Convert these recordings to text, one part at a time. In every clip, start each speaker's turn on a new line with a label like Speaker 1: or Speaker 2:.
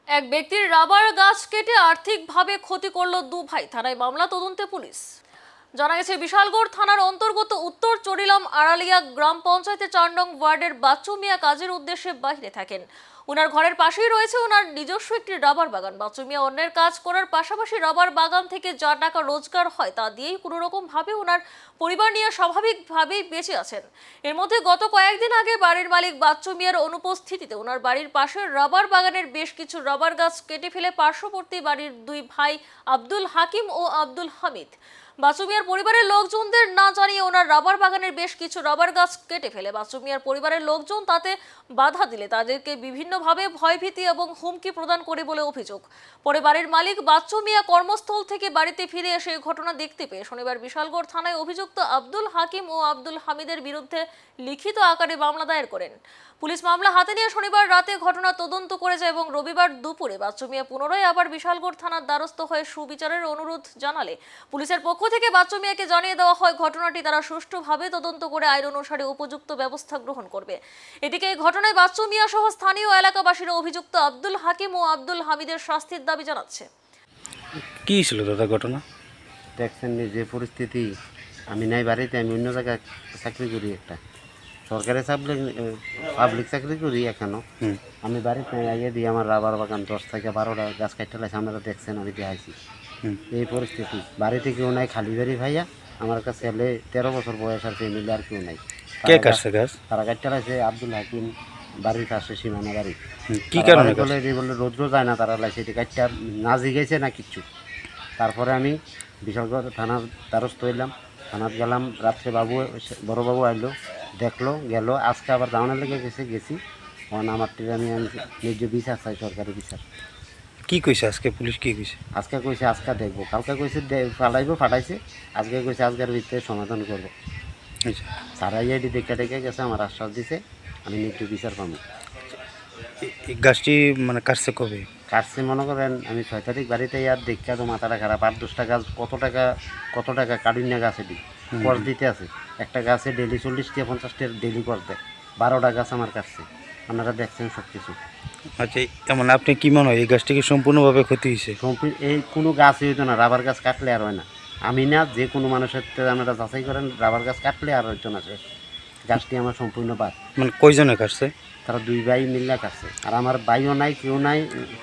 Speaker 1: এক ব্যক্তির রাবার গাছ কেটে আর্থিকভাবে ক্ষতি করলো দু ভাই, থানায় মামলা, তদন্তে পুলিশ। জানা গেছে বিশালগড় থানার অন্তর্গত উত্তর চরিলাম আড়ালিয়া গ্রাম পঞ্চায়েতের 4 নং ওয়ার্ডের বাচ্চু মিয়া কাজের উদ্দেশ্যে বাইরে থাকেন। ওনার ঘরের পাশেই রয়েছে ওনার নিজস্ব একটি রাবার বাগান। বাচ্চু মিয়া অন্যের কাজ করার পাশাপাশি রাবার বাগান থেকে যা টাকা রোজগার হয় তা দিয়েই কোনো রকম ভাবে ওনার পরিবার নিয়ে স্বাভাবিকভাবেই বেঁচে আছেন। এর মধ্যে গত কয়েকদিন আগে বাড়ির মালিক বাচ্চু মিয়ার অনুপস্থিতিতে ওনার বাড়ির পাশের রাবার বাগানের বেশ কিছু রাবার গাছ কেটে ফেলে পার্শ্ববর্তী বাড়ির দুই ভাই আব্দুল হাকিম ও আব্দুল হামিদ। বাচ্চু মিয়ার পরিবারের লোকজনদের না জানিয়ে ওনার রাবার বাগানের বেশ কিছু রাবার গাছ কেটে ফেলে বাচ্চু মিয়ার পরিবারের লোকজন তাতে বাধা দিলে তাদেরকে বিভিন্নভাবে ভয়ভীতি এবং হুমকি প্রদান করে বলে অভিযোগ। পরে বাড়ির মালিক বাচ্চু মিয়া কর্মস্থল থেকে বাড়িতে ফিরে এসে ঘটনা দেখতে পেয়ে শনিবার বিশালগড় থানায় অভিযুক্ত আব্দুল হাকিম ও আব্দুল হামিদের বিরুদ্ধে লিখিত আকারে মামলা দায়ের করেন। পুলিশ মামলা হাতে নিয়ে শনিবার রাতে ঘটনা তদন্ত করেছে এবং রবিবার দুপুরে বাচ্চু মিয়া পুনরায় আবার বিশালগড় থানার দ্বারস্থ হয়ে সুবিচারের অনুরোধ জানালে পুলিশের পক্ষ থেকে বাচ্চু মিয়াকে জানিয়ে দেওয়া হয় ঘটনাটি তারা সুষ্ঠুভাবে তদন্ত করে আইন অনুসারে উপযুক্ত ব্যবস্থা গ্রহণ করবে। এদিকে এই ঘটনায় বাচ্চু মিয়া সহ স্থানীয় এলাকাবাসীরা অভিযুক্ত আব্দুল হাকিম ও আব্দুল হামিদের শাস্তির দাবি জানাচ্ছে।
Speaker 2: কি ছিল দাদা ঘটনা?
Speaker 3: দেখছেন যে পরিস্থিতি, আমি নাই বাড়িতে, আমি অন্য জায়গায় চাকরি করি, একটা সরকারি পাবলিক চাকরি করি এখনো। আমি বাড়িতে নাই, আগে দিয়ে আমার রাবার বাগান 10 থেকে 12টা গাছ কাটতে লাগছে। আপনারা দেখছেন, আমি দেখাইছি এই পরিস্থিতি। বাড়িতে কেউ নাই, খালি বাড়ি ভাইয়া। আমার কাছে ছেলে 13 বছর বয়স আর ফ্যামিলি আর কেউ নাই।
Speaker 2: কে কাটছে গাছ?
Speaker 3: তারা কাটতে লাগছে আব্দুল হাকিম, বাড়ির কাছে সীমানা বাড়ি।
Speaker 2: কি কারণে
Speaker 3: বলে রৌদ্র যায় না, তারা লাগছে এটি কাটতে না জিগেছে না কিচ্ছু। তারপরে আমি বিশালগড় থানার দ্বারস্থ হইলাম, থানাত গেলাম। রাত্রে বড়বাবু আইলো, দেখলো, গেল। আজকে আবার দাওয়ানের লেগে গেছি। কারণ আমার আমি ন্যায্য বিচার চাই, সরকারি বিচার।
Speaker 2: কি কইছে আজকে পুলিশ? কি কইছে?
Speaker 3: আজকে কইছে আজকে দেখবো, কালকে কইছে ফাটাইছে। আজকে কইছে আজকের ভিতরে সমাধান করবো।
Speaker 2: আচ্ছা,
Speaker 3: সারা ইয়েটি দেখে গেছে, আমার আশ্বাস দিছে আমি ন্যায্য বিচার পাবো।
Speaker 2: এই গাছটি মানে কাটছে কবে?
Speaker 3: কাটছে মনে করেন আমি 6 তারিখ বাড়িতে আর দেখা তো মাথাটা খারাপ। 8-10টা গাছ, কত টাকা কাটুনিয়া গাছে দিই কর দিতে আছে। একটা গাছে ডেলি 40 থেকে 50 টাকা ডেলি কর দেয়। 12টা গাছ আমার কাটছে, আপনারা দেখছেন সব কিছু।
Speaker 2: আচ্ছা, মানে আপনি কি মনে হয় এই গাছটি কি সম্পূর্ণভাবে ক্ষতি হয়েছে?
Speaker 3: এই কোনো গাছই হইতো না, রাবার গাছ কাটলে আর হয় না। আমি না, যে কোনো মানুষের আপনারা যাচাই করেন, রাবার গাছ কাটলে আর হইতো না। গাছটি আমার সম্পূর্ণ বাদ।
Speaker 2: মানে কয়জনে কাটছে?
Speaker 3: তারা দুই ভাই মিল্লা কাটছে। আর আমার ভাইও নাই, কেউ নাই,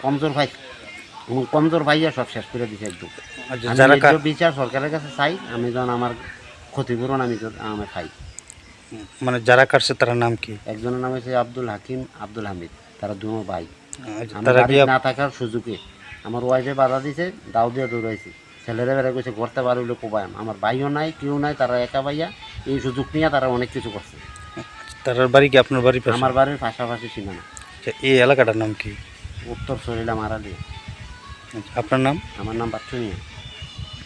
Speaker 3: কমজোর ভাইয়া সব শেষ করে দিছে একদম।
Speaker 2: যারা
Speaker 3: বিচার সরকারের কাছে চাই, আমি যখন আমার ক্ষতিপূরণ আমি খাই।
Speaker 2: মানে যারা কাটছে তার নাম কি?
Speaker 3: একজনের নাম হচ্ছে আব্দুল হাকিম, আব্দুল হামিদ। তারা দুনো ভাই।
Speaker 2: তারা কি
Speaker 3: না থাকার সুযোগে আমার ওয়াইফে বাধা দিছে, দাও দিয়ে দৌড়াইছে। ছেলেরা বেড়া কইছে করতে পারলে কোবায়াম। আমার ভাইও নাই, কেউ নাই, তারা একা ভাইয়া। এই সুযোগ নিয়ে তারা অনেক কিছু করছে।
Speaker 2: তার বাড়ি কি আপনার বাড়ি?
Speaker 3: আমার বাড়ির পাশাপাশি সীমানা।
Speaker 2: এই এলাকাটার নাম কি?
Speaker 3: উত্তর চরিলাম আড়ালিয়া।
Speaker 2: আপনার নাম?
Speaker 3: আমার নাম বাচ্চু মিয়া।